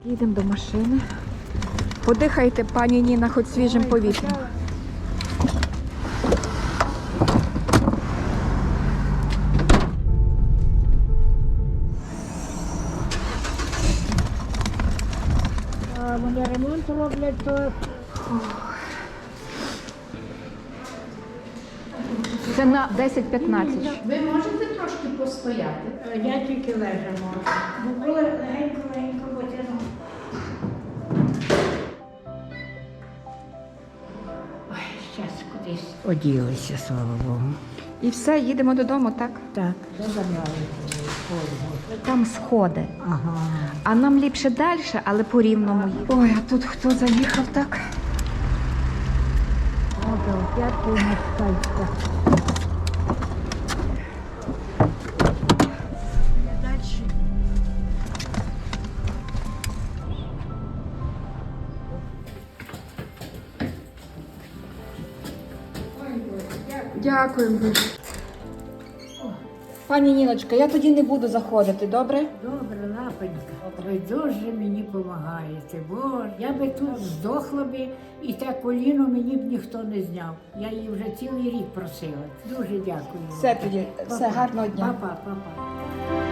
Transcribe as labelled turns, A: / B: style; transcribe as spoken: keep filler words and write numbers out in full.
A: Їдемо до машини. Подихайте, пані Ніна, хоч свіжим повітрям.
B: А вони ремонт роблять, то
A: Це на десять-п'ятнадцять.
C: Ви можете трошки постояти?
B: е, я тільки лежа можу. Бо коли легенько-легенько потягну. Ой, зараз кудись оділися, слава Богу.
A: І все, їдемо додому, так?
B: Так, де забрали форму?
A: Там сходи.
B: Ага.
A: А нам ліпше далі, але по рівному. Ой, а тут хто заїхав так?
B: Ото п'ятку москальська. Дальше.
A: Дякую. Пані Ніночка, я тоді не буду заходити, добре?
B: Добре, лапонька. Ви дуже мені допомагаєте, бо я би тут здохла би, і те коліно мені б ніхто не зняв. Я її вже цілий рік просила. Дуже дякую.
A: Все тоді, все, гарного дня.
B: Папа, папа.